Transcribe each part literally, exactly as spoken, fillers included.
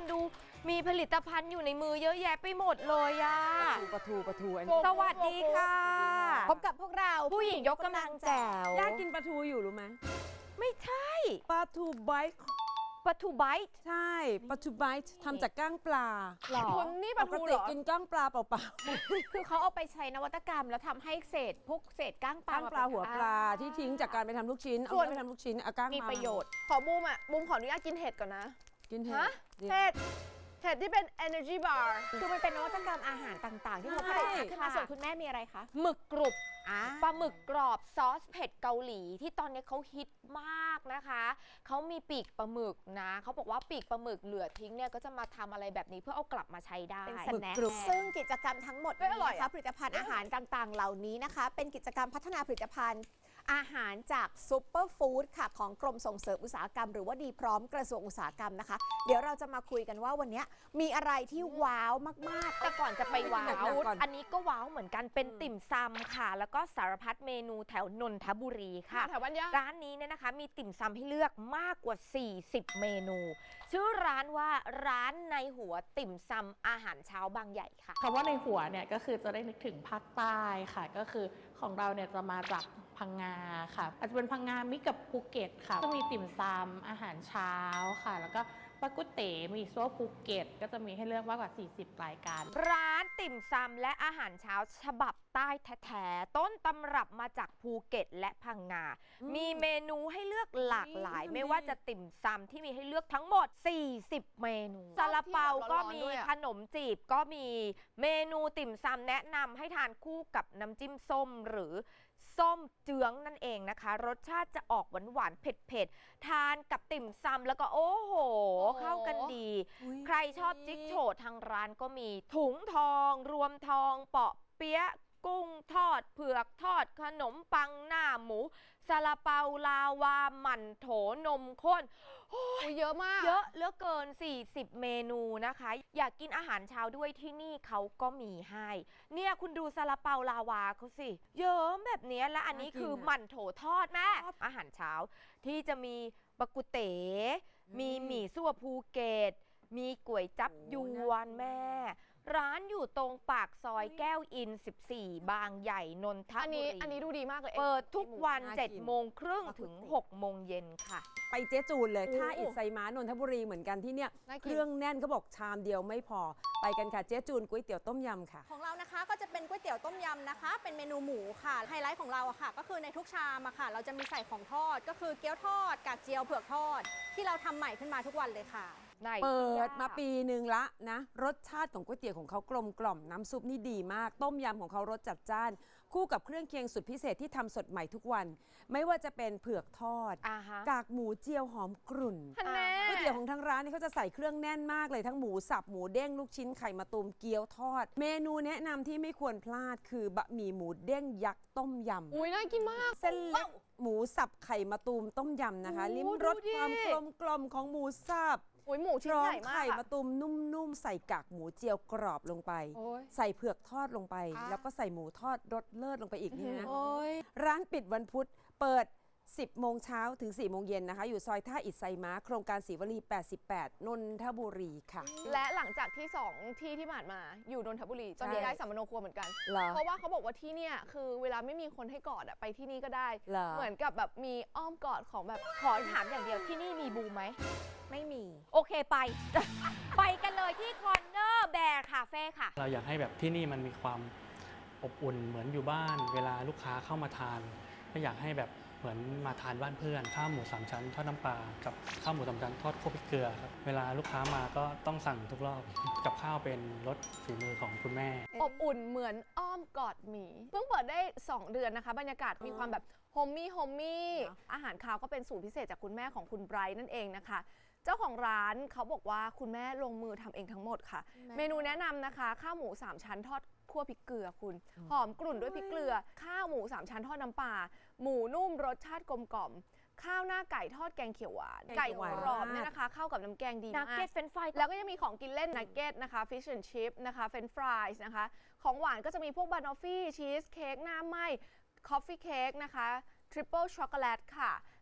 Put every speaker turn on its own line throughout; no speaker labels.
ดูมีผลิตภัณฑ์อยู่ในมือเยอะแยะไปหมดเลยอะ
ปลาทูปลาทูอัน
สวัสดีค่ะ
พบกับพวกเรา
ผู้หญิงยกกำลังแจ๋ว
ย่ากินปลาทูอยู่รู้ไหม
ไม่ใช่
ปลาทูไบต์
ปลาทูไบต์
ใช่ปลาทูไบต์ทำจากก้างปลา
หรอ
คุณนี่ป
ป
ลาก ทูเห
ติ
รอ
กินก้างปลาเปล่า
คือเขาเอาไปใช้นวัตกรรมแล้วทำให้เศษพวกเศษก้าง
ๆ
ปลา
ก้างปลาหัวปลาที่ทิ้งจากการไปทำลูกชิ้นเอาไปทำลูกชิ้นเอาก้าง
มี
มา
ประโยชน์ ขอบูมอ่ะบูมขออนุญาตกินเห็ดก่อนนะ
กินเห็
ฮะ
ด
เห็ดเห็ดที่เป็น energy bar
คือมันเป็นนวัตกรรมอาหารต่างๆ ที่เขาผลิตขึ้นมาส่วนคุณแม่มีอะไรคะ
หมึกกรุบ
อ่า
ปลาหมึกกรอบซอสเผ็ดเกาหลีที่ตอนนี้เขาฮิตมากนะคะเขามีปีกปลาหมึกนะเขาบอกว่าปีกปลาหมึกเหลือทิ้งเนี่ยก็จะมาทำอะไรแบบนี้เพื่อเอากลับมาใช้ได้
เป็นสแน็คซึ่งกิจกรรมทั้งหมด
เอ้ยอร่
นี้
อย
นะ
อะ
คะผลิตภัณฑ์อาหารต่างๆ เหล่านี้นะคะ เป็นกิจกรรมพัฒนาผลิตภัณฑ์อาหารจากซูเปอร์ฟู้ดค่ะของกรมส่งเสริมอุตสาหกรรมหรือว่าดีพร้อมกระทรวงอุตสาหกรรมนะคะ เดี๋ยวเราจะมาคุยกันว่าวันนี้มีอะไรที่ว้าวมากๆ
แต่ก่อนจะไปว้า
หนั
ว
กๆก่อน
อันนี้ก็ว้าวเหมือนกันเป็นติ่มซำค่ะ แล้วก็สารพัดเมนูแถวนนทบุรีค่ะ
แถวบ้านย่า
ร้านนี้เนี่ยนะคะมีติ่มซำให้เลือกมากกว่า สี่สิบ เมนู ชื่อร้านว่าร้านในหัวติ่มซำอาหารเช้าบางใหญ่ค่ะ
คำว่าในหัวเนี่ยก็คือจะได้นึกถึงภาคใต้ค่ะ ก็คือของเราเนี่ยจะมาจากพังงาค่ะ อาจจะเป็นพังงามิกกับภูเก็ตค่ะก็มีติ่มซำอาหารเช้าค่ะ แล้วก็ปากุเต๋มีซัวภูเก็ตก็จะมีให้เลือกมากกว่า สี่สิบ รายการ
ร้านติ่มซำและอาหารเช้าฉบับใต้แท้ๆต้นตำรับมาจากภูเก็ตและพังงา มีเมนูให้เลือกหลากหลาย ไม่ว่าจะติ่มซำที่มีให้เลือกทั้งหมด สี่สิบ เมนูซาลาเปาก็มีขนมจีบก็มีเมนูติ่มซำแนะนำให้ทานคู่กับน้ำจิ้มส้มหรือส้มเจื้องนั่นเองนะคะ รสชาติจะออกหวานๆเผ็ดๆทานกับติ่มซำแล้วก็โอ้โห เข้ากันดี
อุ๊ย
ใครชอบจิ๊กโฉดทางร้านก็มีถุงทอง รวมทอง เปาะเปี๊ยะกุ้งทอด เผือกทอด ขนมปังหน้าหมูซาลาเปาลาวาหมั่นโถนมข้น
อุ๊ยเยอะมาก
เยอะเหลือเกิน สี่สิบ เมนูนะคะ อยากกินอาหารเช้าด้วยที่นี่เขาก็มีให้ เนี่ยคุณดูซาลาเปาลาวาเขาสิ เยอะแบบเนี้ยและอันนี้
น่ากิน
คือ
อะ
หมั่นโถทอดแม่อาหารเช้าที่จะมีบะกุเต๋มีหมี่ซั่วภูเก็ต มีก๋วยจับยวนแม่ ร้านอยู่ตรงปากซอยแก้วอิน สิบสี่ บางใหญ่นนท
อัน
บุ
นี้
รี
อันนี้ดูดีมากเลย
เปิดทุกวัน
น่ากิน
เจ็ดโมงครึ่งถึง หกโมงเย็นค่ะ
ไปเจ๊จูนเลย
โอ้
ท่าอิดไซม้านนทบุรีเหมือนกันที่เนี่ย
น่ากิน
เครื่องแน่นเขาบอกชามเดียวไม่พอไปกันค่ะเจ๊จูนก๋วยเตี๋ยวต้มยำค่ะ
ของเรานะคะก็จะเป็นก๋วยเตี๋ยวต้มยำนะคะ เป็นเมนูหมูค่ะไฮไลท์ของเราอะค่ะ ก็คือในทุกชามอะค่ะ เราจะมีใส่ของทอดก็คือเกี๊ยวทอดกากเจียวเผือกทอด ที่เราทำใหม่ขึ้นมาทุกวันเลยค่ะ
ไหน
เปิด
ย่
มาปีหนึ่งละนะรสชาติของก๋วยเตี๋ยวของเขากลมกล่อมน้ำซุปนี่ดีมาก ต้มยำของเขารสจัดจ้าน คู่กับเครื่องเคียงสุดพิเศษที่ทำสดใหม่ทุกวัน ไม่ว่าจะเป็นเผือกทอด
อ่าฮะ
กากหมูเจียวหอมกรุ่น
ฮันแน่
ก๋วยเตี๋ยวของทางร้านนี่เขาจะใส่เครื่องแน่นมากเลยทั้งหมูสับหมูเด้งลูกชิ้นไข่มะตูมเกี๊ยวทอด เมนูแนะนำที่ไม่ควรพลาดคือบะหมี่หมูเด้งยักษ์ต้มยำ
อุ้ยน่ากินมาก
เส้นเล็กหมูสับไข่มะตูมต้มยำนะคะ
โอ้
ลิ้มรส
ดูดิ
ความกลมกลอมของหมูสับ
อุ้ยหมู
พ
ชิ้น
ร้อ
ให
ม
ญ่มาก
ไข่
อะ
มะตูมนุ่มๆ ใส่กากหมูเจียวกรอบลงไป
โอ้ย
ใส่เผือกทอดลงไป
อ่ะ
แล้วก็ใส่หมูทอดรสเลิศลงไปอีกนี่นะ
โอ้ย
ร้านปิดวันพุธเปิด สิบ โมงเช้าถึง สี่ โมงเย็นนะคะ อยู่ซอยท่าอิฐไซม้า โครงการศรีวลี แปดสิบแปด นนทบุรีค่ะ
และหลังจากที่สองที่ที่ผ่านมาอยู่นนทบุรีตอนนี้
ใช่
ได้สัมมโนครัวเหมือนกัน
เหรอ
เพราะว่าเขาบอกว่าที่เนี่ยคือเวลาไม่มีคนให้กอดอะไปที่นี่ก็ได้
เหรอ
เหมือนกับแบบมีอ้อมกอดของแบบ
ขอถามอย่างเดียวที่นี่มีบูมไหม
ไม่มี
โอเคไป ไปกันเลยที่คอนเนอร์แบร์คาเฟ่ค่ะ
เราอยากให้แบบที่นี่มันมีความอบอุ่นเหมือนอยู่บ้าน เวลาลูกค้าเข้ามาทานไม่อยากให้แบบเหมือนมาทานบ้านเพื่อนข้าวหมูสามชั้นทอดน้ำปลากับข้าวหมูสามชั้นทอดคั่วพริกเกลือครับเวลาลูกค้ามาก็ต้องสั่งทุกรอบกับข้าวเป็นรสฝีมือของคุณแม่
อบอุ่นเหมือนอ้อมกอดหมี เพิ่งเปิดได้ สอง เดือนนะคะ บรรยากาศมีความแบบโฮมมี่โฮมมี่อาหารคาวก็เป็นสูตรพิเศษจากคุณแม่ของคุณไบรท์นั่นเองนะคะ เจ้าของร้านเขาบอกว่าคุณแม่ลงมือทำเองทั้งหมดค่ะ เมนูแนะนำนะคะข้าวหมูสามชั้นทอดคั่วพริกเกลือคุณ หอมกลุ่นด้วยพริกเกลือ ข้าวหมูสามชั้นทอดน้ำปลาหมูนุ่มรสชาติกลมกล่อม ข้าวหน้าไก่ทอดแกงเขียวหวาน
แกง
ไก่
เขียวหวาน
กรอบเนี่ยนะคะ เข้ากับน้ำแกงดี
นัก
มาก
เก็ตเฟรนช์ฟราย
แล้วก็ยังมีของกินเล่นนักเก็ตนะคะฟิชแอนด์ชิพนะคะเฟรนช์ฟรายส์นะคะของหวานก็จะมีพวกบานอฟฟี่ชีสเค้กหน้าไหม้คอฟฟี่เค้กนะคะทริปเปิลช็อกโกแลตค่ะ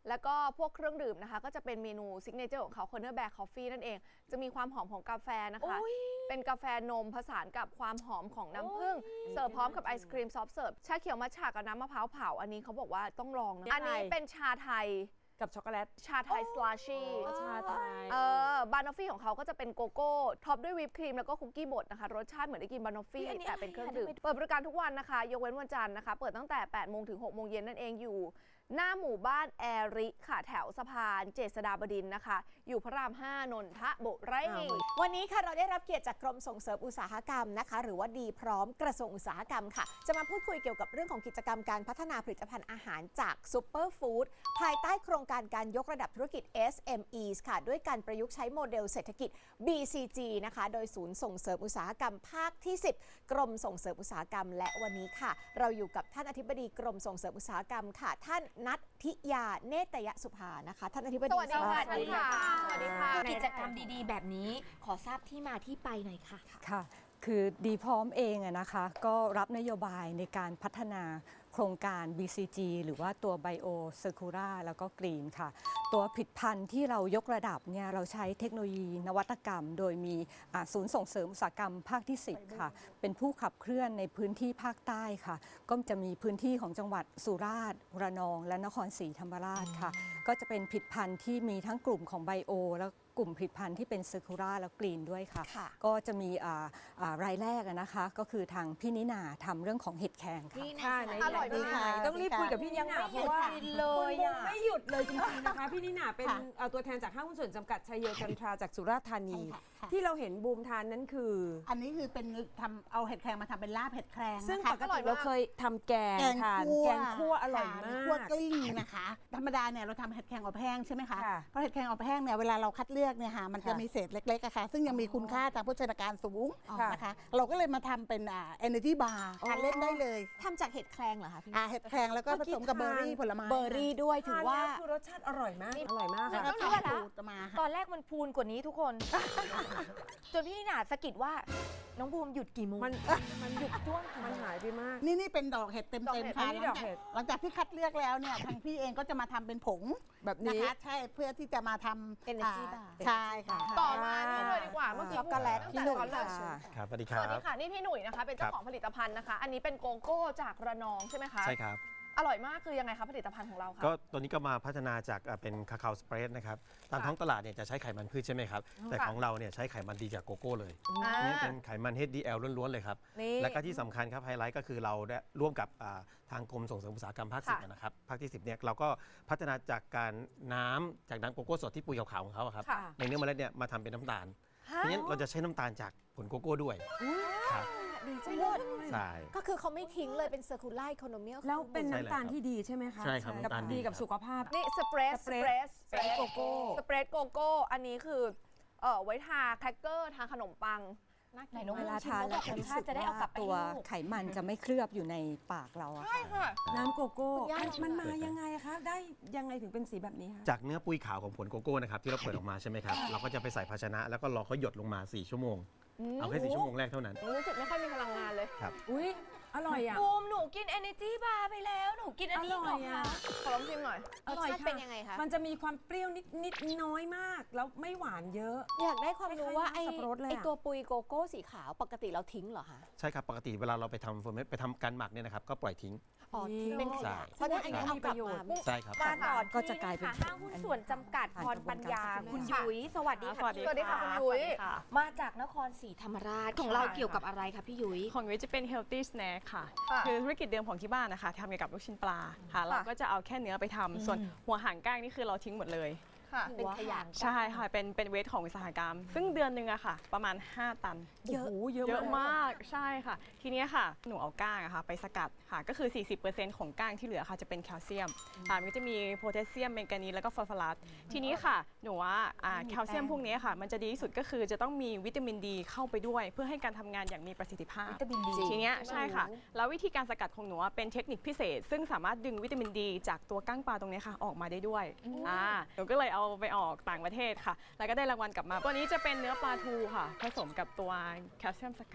แล้วก็พวกเครื่องดื่มนะคะ ก็จะเป็นเมนูซิกเนเจอร์ของเขา Corner Bear Coffee นั่นเอง จะมีความหอมของกาแฟนะคะ เป็นกาแฟนมผสานกับความหอมของน้ำผึ้งเสิร์ฟพร้อมกับไอศครีมซอฟต์เสิร์ฟชาเขียวมัทฉะกับน้ำมะพร้าวเผาอันนี้เขาบอกว่าต้องลองนะอันนี้เป็นชาไทย
กับช็อกโกแลต
ชาไทยสลาชี่
ชาไทย
เออบานอฟฟี่ของเขาก็จะเป็นโกโก้ท็อปด้วยวิปครีมแล้วก็คุกกี้บดนะคะรสชาติเหมือนได้กินบานอฟฟี่แต่เป็นเครื่องดื่มเปิดบริการทุกวันนะคะยกเว้นวันจันทร์นะคะเปิดตั้งแต่แปดโมงถึงหกโมงเย็นนั่นเองอยู่หน้าหมู่บ้านแอริค่ะแถวสะพานเจษฎาบดินทร์นะคะ อยู่พระรามห้านนทบุรี
วันนี้ค่ะเราได้รับเกียรติจากกรมส่งเสริมอุตสาหกรรมนะคะหรือว่าดีพร้อมกระทรวงอุตสาหกรรมค่ะจะมาพูดคุยเกี่ยวกับเรื่องของกิจกรรมการพัฒนาผลิตภัณฑ์อาหารจากซูเปอร์ฟู้ดภายใต้โครงการการยกระดับธุรกิจ เอส เอ็ม อี ส ค่ะด้วยการประยุกต์ใช้โมเดลเศรษฐกิจ บี ซี จี นะคะโดยศูนย์ส่งเสริมอุตสาหกรรมภาคที่ สิบ กรมส่งเสริมอุตสาหกรรมและวันนี้ค่ะเราอยู่กับท่านอธิบดีกรมส่งเสริมอุตสาหกรรมค่ะท่านณัฐิยาเนตยสุภานะคะท่านอธิบดี
สวัสดีค่ะ
สวัสดีค่ะ
สวัสดีค่ะ
กิจกรรมดีๆ แบบนี้ขอทราบที่มาที่ไปหน่อยค่ะ
ค่ะ คือดีพร้อมเองอะนะคะ ก็รับนโยบายในการพัฒนาโครงการ บี ซี จี หรือว่าตัว Bio Circular แล้วก็ Green ค่ะ ตัวผลิตภัณฑ์ที่เรายกระดับเนี่ยเราใช้เทคโนโลยีนวัตกรรม โดยมีอ่าศูนย์ส่งเสริมอุตสาหกรรมภาคที่ สิบ ค่ะ เป็นผู้ขับเคลื่อนในพื้นที่ภาคใต้ค่ะ ก็จะมีพื้นที่ของจังหวัดสุราษฎร์ระนอง และนครศรีธรรมราชค่ะ ก็จะเป็นผลิตภัณฑ์ที่มีทั้งกลุ่มของ Bio แล้วกลุ่มผลิตภัณฑ์ที่เป็น Circular แล้ว Green ด้วยค่ะ
ค่ะ
ก็จะมีอ่าอ่ารายแรกอะนะคะ ก็คือทางพี่นินาทำเรื่องของเห็ดแครงค่ะ
ค่ะใน
อร่อยมาก
ต้องรีบคุยกับพี่นิน่าเพราะว่า
เลย
คุณ
อะ
บุ๊กไม่หยุดเลยจริงๆนะคะ พี่นิน่าเป็น
ค่ะ
เอ่อตัวแทนจากห้างหุ้นส่วนจำกัดชัยโยจันทราจากสุราษฎร์ธานี
ใช่ค่ะค่ะ
ที่เราเห็นบูมทานนั้นคือ
อันนี้คือเป็นทำเอาเห็ดแครงมาทำเป็นลาบเห็ดแครง
ซึ่ง
นะคะ
ปกติเราเคยทำแกง
แกง
ทาน
คั่ว
แกงคั่วอร่อยมา
คั่ว
ก
กลิ้งนะคะ ธรรมดาเนี่ยเราทำเห็ดแครงอบแห้งใช่ไหมคะ
ค่ะ
เพราะเห็ดแครงอบแห้งเนี่ยเวลาเราคัดเลือกเนี่ยค่ะมันจะ
ค่ะ
มีเศษเล็กๆอะค่ะซึ่งยังมีคุณค่าทางโภชนาการสูง
ค่ะ
นะคะ เราก็เลยมาทำเป็นอ่า energy bar ทานเล่นได้เลย
ทำจากเห็ดแครงเหรอคะพี่
อ่าเห็ดแครงแล้วก็ผสมกับเบอร์รี่ผลไม้
เบอร์รี่ด้วยถือว่า
ทนแล้วคือรสชาติอร่อยมากอร่อยมาก
แล้ว
ค่ะ
ก็
ต้องรู้ว่า
ทำ
นะ
สูตรมา
ตอนแรกมันพูนกว่านี้ทุกคน จนพี่นิน่าสะกิดว่า น้องบูมหยุดกี่โมง
มันมันหยุดจ้วงมันหายไปมาก
นี่นี่เป็นดอกเห็ดเต็ม
ดอกเห็
เต็ม
ด
ค่ะ
อันนี้ดอกเห็ด
หลังจากที่คัดเลือกแล้วเนี่ยทางพี่เองก็จะมาทำเป็นผง
แบบ
นะ
นี้
คะใช่เพื่อที่จะมาทำ
Energy
อ่า
bar
ใช่ค่ะ
ต่อมานี่เลยดีกว่าเมื่อกี้
ช็อกโกแลต
ตั้งแต่ตอนแรก
ครับสวัสดีค
ส
รับ
วัสดีค่ะนี่พี่หนุ่ยนะคะเป็นเจ้าของผลิตภัณฑ์นะคะ อันนี้เป็นโกโก้จากระนองใช่ไหมคะ
ใช่ครับ
อร่อยมากคือยังไงคะผลิตภัณฑ์ของเราคะ
ก็ตัวนี้ก็มาพัฒนาจากอ่าเป็นคาคาโสเปรดนะครับ ตาม
ค่ะ
ท้องตลาดเนี่ยจะใช้ไขมันพืชใช่ไหมครับ แต่
ค่ะ
ของเราเนี่ยใช้ไขมันดีจากโกโก้เลย
อ่า
นี่เป็นไขมัน เอช ดี แอล ล้วนๆเลยครับ
นี่
และก็ที่สำคัญครับไฮไลท์ก็คือเราได้ร่วมกับอ่าทางกรมส่งเสริมอุตสาหกรรมภาคสิบ
ค่ะ
นะครับ ภาคที่ สิบเนี่ยเราก็พัฒนาจากการน้ำจากน้ำโกโก้สดที่ปุยขาวๆของเขาอะครับ
ค่ะ
ในเนื้อเมล็ดเนี่ยมาทำเป็นน้ำตาล
ฮะ
ทีนี้เราจะใช้น้ำตาลจากผลโกโก้ด้วยครับ
ดีจังเลย
ใช่
ก็คือเขาไม่ทิ้งเลยเป็น circular economy
แล้วเป็น
ใช่
น้ำตาล
แล้ว
ที่ดีใช่ไหมคะ
ใช่ครับ
กับ
น้ำตาลดี
ดีกับ
ครับ
สุขภาพ
นี่สเปรส
ส
ส
เปร
เป
ส
รส
สเปรสโกโก้
สเปรดโกโก้อันนี้คือเอ่อไว้ทาแครกเกอร์ทาขนมปัง
ไหนน้อง
เว
บูม
ลา
ชิม
ทาน
แล้ว
เรา
แบบรส
จะรู้
ชา
สึ
ติ
ก
จะได้เอากลับ
ว่า
ไป
ตัว
ให้ลูก
ไขมันจะไม่เคลือบอยู่ในปากเราอะ
ใช่ค่ะ
น้ำโกโก้
คุณย่า
มันมันมา
ลอง
ยังไงอะคะ ได้ยังไงถึงเป็นสีแบบนี้คะ
จากเนื้อปุยขาวของผลโกโก้นะครับที่เราเปิดออกมาใช่ไหมครับ เราก็จะไปใส่ภาชนะ แล้วก็รอเขาหยดลงมา สี่ ชั่วโมง เอาแค่สี่ชั่วโมงแรกเท่านั้น
รู้สึกไม่ค่อยมีพลังงานเลย
อุ้ยอร่อยอ่ะ
บูมหนูกิน energy bar ไปแล้ว หนูกินอันนี้
อร่อย
เหร
อะ
คะ
ขอลองชิมหน่อย
รสชาติเป็นยังไงคะ
มันจะมีความเปรี้ยวนิดนิดน้อยมาก แล้วไม่หวานเยอะ
อยากได้ความรู้ว่า
คล้ายๆ
ไอ้
น้ำสับปะรดเลยอะ
ไอ้ตัวปุยโกโก้สีขาวปกติเราทิ้งเหรอคะ
ใช่ครับ ปกติเวลาเราไปทำเฟอร์เมนไปทำการหมักเนี่ยนะครับ ก็ปล่อยทิ้ง
อ๋อ
ทิ้ง
เป็นข
ใช่
ยะเพราะฉะนั้นอันนี้เอากลับมา
ใช่ครับ
มาต่อ
ก็
ที่
จะกลายเป็น
ค่ะห้างหุ้นส่วนจำกัดพรปัญญา คุณ
ค่ะ
ยุ้ยสวัสดีค่ะ
สวัสดีค่ะคุณยุ้ย
มาจากนครศรีธรรมราชของเราเกี่ยวกับอะไรคะพี่ยุ้ย
ของยุ้ยจะเป็น healthy snack ค่ะ
ค่ะ
คือธุรกิจเดิมของที่บ้านนะคะทำเกี่ยวกับลูกชิ้นปลาค่ะ เราก็จะเอาแค่เนื้อไปทำส่วนหัวหางก้างนี่คือเราทิ้งหมดเลย
ค่ะ
เป็นขยะ
ใช่ค่ะ เป็นเป็นเวทของอุตสาหกรรม ซึ่งเดือนหนึ่งอะค่ะ ประมาณ ห้า ตัน
เยอะเยอะ
เยอะ
มาก
มาก ใช่ค่ะ ทีเนี้ยค่ะ หนูเอาก้างอะค่ะไปสกัดค่ะ ก็คือ สี่สิบเปอร์เซ็นต์ ของก้างที่เหลือค่ะจะเป็นแคลเซียมค่ะมันก็จะมีโพแทสเซียมแมงกานีสแล้วก็ฟอสฟอรัส ทีนี้ค่ะ หนูว่าอ่าแคลเซียมพวกนี้ค่ะ มันจะดีที่สุดก็คือจะต้องมีวิตามินดีเข้าไปด้วย เพื่อให้การทำงานอย่างมีประสิทธิภาพ
วิตามินดี
ทีเนี้ยใช่ค่ะ แล้ววิธีการสกัดของหนูอะเป็นเทคนิคพิเศษ ซึ่งสามารถดึงวิตามินดีจากตัวก้างปลาตรงเนี้ยค่ะออกมาได้ด้วยอ่าหนูก็เลยเอาไปออกต่างประเทศค่ะ แล้วก็ได้รางวัลกลับมา ตัวนี้จะเป็นเนื้อปลาทูค่ะ ผสมกับตัวแคลเซียมสกัด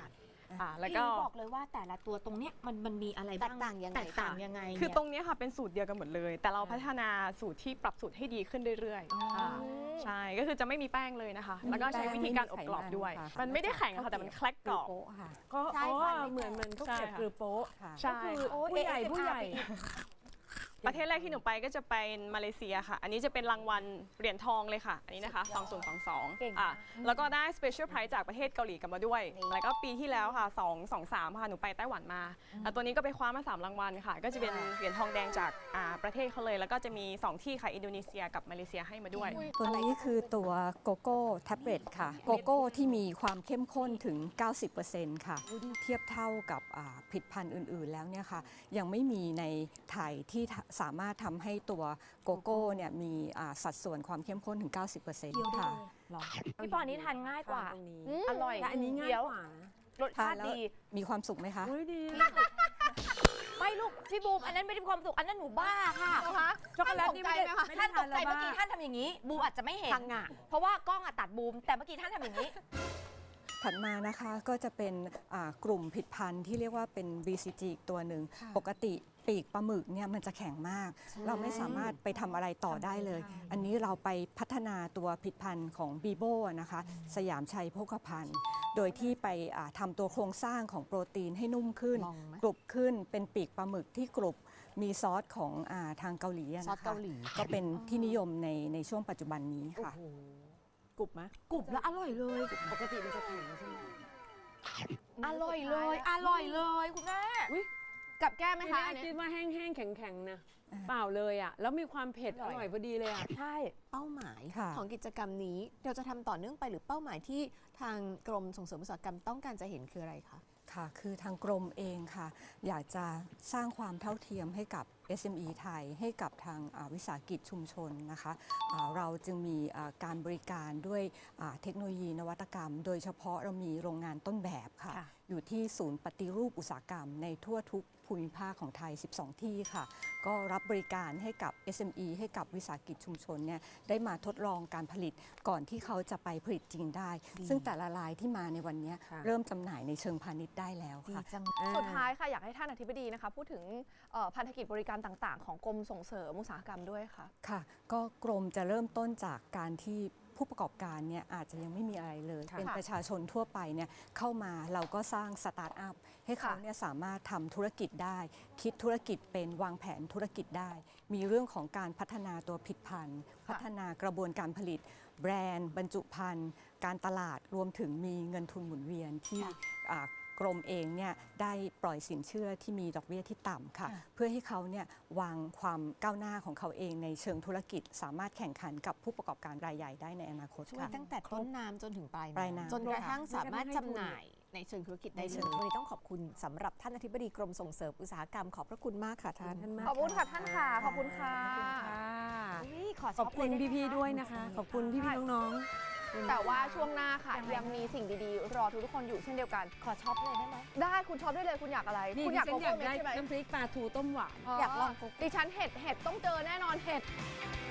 อ่าแล้วก็
พี่บอกเลยว่าแต่ละตัวตรงเนี้ยมันมันมีอะไร
แต
บ้าง
กต่างยังไง
แตกต่าง
คะ
ยังไง
คือ
เนี่ย
ตรงเนี้ยค่ะเป็นสูตรเดียวกันหมดเลย แต่เราพัฒนาสูตรที่ปรับสูตรให้ดีขึ้นเรื่อยๆค่ะใช่ก็คือจะไม่มีแป้งเลยนะคะ แล้วก็ใช้วิธีการอบกรอบด้วย มันไม่ได้แข็งค่ะแต่มันแคลกกรอบ
โป๊ะค่ะ
ก็
ใช่
อ๋อ
ค่ะไม่
เหมือนเหมือนข้าว
ใช่
เกรียบ
ค่ะ
กรือโป๊ะ
ค่ะ
ใช่
ก็คือ
โอ้ย
ผู้ใหญ่
เอสเอ็มอาร์
ผู้ใหญ่
ประเทศแรกที่หนูไปก็จะเป็นมาเลเซียค่ะ อันนี้จะเป็นรางวัลเหรียญทองเลยค่ะ อันนี้นะคะ สองพันยี่สิบสอง
เก่ง
อ่ะ
มาก
แล้วก็ได้ Special Prize จากประเทศเกาหลีกลับมาด้วย แล้วก็ปีที่แล้วค่ะสอง สอง สามค่ะ หนูไปไต้หวันมา แล้วตัวนี้ก็ไปคว้ามา สาม รางวัลค่ะ ก็จะเป็นเหรียญทองแดงจากอ่าประเทศเขาเลย แล้วก็จะมี สอง ที่ค่ะ อินโดนีเซียกับมาเลเซียให้มาด้วย
ตัวนี้คือตัวโกโก้แท็บเล็ตค่ะ โกโก้ที่มีความเข้มข้นถึง เก้าสิบเปอร์เซ็นต์ ค่ะ เทียบเท่ากับอ่าผลิตภัณฑ์อื่น ๆ แล้วเนี่ยค่ะ ยังไม่มีในไทยที่ทะสามารถทำให้ตัวโกโก้เนี่ยมีอ่าสัดส่วนความเข้มข้นถึง เก้าสิบเปอร์เซ็นต์ ค่ะ
พี่ปอนี้ทานง่ายกว่า
ทานตรงนี้
อืมอร่อย
แต่อันนี้ง่าย
เดี๋ยว
กว่านะ
รส
ทา
ชาน ติ
แล้ว
ดี
มีความสุขไหมคะ
อุ้ยดี
ไม่ลูกพี่บูมอันนั้นไม่ได้มีความสุขอันนั้นหนูบ้าค่ะ
ช็อกโกแลตนี่ไม่ได้ไม่ได้
ท่านต
ทาน
ก
แล้
ใจ
ว
เมื่อ
บ้า
กี้ท่านทำอย่างนี้ บูมอาจจะไม่เห็น
พังงะ
เพราะว่ากล้องอะตัดบูม แต่เมื่อกี้ท่านทำอย่างนี้
ถัดมานะคะก็จะเป็นอ่ากลุ่มผลิดพันธุ์ที่เรียกว่าเป็น บี ซี จี อีกตัวหนึ่ง ปกติปีกปลาหมึกเนี่ยมันจะแข็งมาก เราไม่สามารถไปทำอะไรต่อได้เลย อันนี้เราไปพัฒนาตัวผลิดพันธุ์ของบีโบนะคะ สยามชัยโภคภัณฑ์ โดยที่ไปอ่าทำตัวโครงสร้างของโปรตีนให้นุ่มขึ้น
ลองไหม
กรุบขึ้นเป็นปีกปลาหมึกที่กรุบมีซอสของอาทางเกาหลีอะ
ซอส
นะคะ
เกาหลี
ก็เป็นที่นิยมในในช่วงปัจจุบันนี้ค่ะ
กรุบไหม
กรุบแล้วอร่อยเลย
ปกติมันจะแข็งใช่ไหม
อร่อยเลย อร่อยเลยคุณแม่
กับแก้มไหม
ที
คะ
แร
อั
ก
นนี้
คิดว่าแห้งๆ แข็งๆ นะ เปล่าเลยอ่ะ แล้วมีความเผ็ดอร่อยพอดีเลยอ่ะ
ใช่
เป้าหมาย
ค่ะ
ของกิจกรรมนี้เราจะทำต่อเนื่องไปหรือเป้าหมายที่ทางกรมส่งเสริมอุตสาหกรรมต้องการจะเห็นคืออะไรคะ
ค่ะ คือทางกรมเองค่ะ อยากจะสร้างความเท่าเทียมให้กับ เอส เอ็ม อี ไทย ให้กับทางอ่าวิสาหกิจชุมชนนะคะอ่าเราจึงมีอ่าการบริการด้วยอ่าเทคโนโลยีนวัตกรรม โดยเฉพาะเรามีโรงงานต้นแบบค่ะ
ค่ะ
อยู่ที่ศูนย์ปฏิรูปอุตสาหกรรมในทั่วทุกภูมิภาคของไทย สิบสอง ที่ค่ะ ก็รับบริการให้กับ เอส เอ็ม อี ให้กับวิสาหกิจชุมชนเนี่ยได้มาทดลองการผลิตก่อนที่เขาจะไปผลิตจริงได้ ซึ่งแต่ละรายที่มาในวันนี้
ค่ะ
เริ่มจำหน่ายในเชิงพาณิชย์ได้แล้ว
ดี
ค่ะ
จัง
สุดท้ายค่ะอยากให้ท่านอธิบดีนะคะพูดถึงเอ่อพันธกิจบริการต่างๆ ของกรมส่งเสริมอุตสาหกรรมด้วยค่ะ
ค่ะ ก็กรมจะเริ่มต้นจากการที่ผู้ประกอบการเนี่ยอาจจะยังไม่มีอะไรเลย
ค่ะ
เป็นประชาชนทั่วไปเนี่ยเข้ามาเราก็สร้างสตาร์ทอัพให้เขาเนี่ยสามารถทำธุรกิจได้ คิดธุรกิจเป็นวางแผนธุรกิจได้ มีเรื่องของการพัฒนาตัวผลิตภัณฑ์ พัฒนากระบวนการผลิต แบรนด์ บรรจุภัณฑ์ การตลาดรวมถึงมีเงินทุนหมุนเวียนที่อ่ากรมเองเนี่ยได้ปล่อยสินเชื่อที่มีดอกเบี้ยที่ต่ำค่ะ เพื่อให้เขาเนี่ยวางความก้าวหน้าของเขาเองในเชิงธุรกิจ สามารถแข่งขันกับผู้ประกอบการรายใหญ่ได้ในอนาคต
ช่วย
ค่ะ
ตั้งแต่ต้นน้ำจนถึงปลาย
ปลายน้ำ
จนกระทั่ง
ค่ะ
สามารถจำหน่ายในเชิงธุรกิจได้
ใน
เล
เชิ
ย
ง
วันนี้ต้องขอบคุณสำหรับท่านอธิบดีกรมส่งเสริมอุตสาหกรรมขอบพระคุณมากค่ะท่าน
ขอบคุณค่ะท่านค่ะ ขอบคุณค่ะ
อุ๊ยขอ
ขอบคุณพี่ๆ ด้วยนะคะ ขอบคุณพี่ๆ น้องๆ
แต่ว่าช่วงหน้าค่ะยังมีสิ่งดีๆ รอทุกๆคนอยู่เช่นเดียวกัน
ขอช็อปเลยได้ไหม
ได้คุณชอบได้เลยคุณอยากอะไร
นี่
คุณ
ดิ
อยาก
ฉั
โก
นอยา
โก้
ก
เม็ด
ได้
ใช่ไหม
น้ำพริกปลาทูต้มหวาน
อยากลองโกโก้
ดิฉันเห็ดเห็ดต้องเจอแน่นอนเห็ด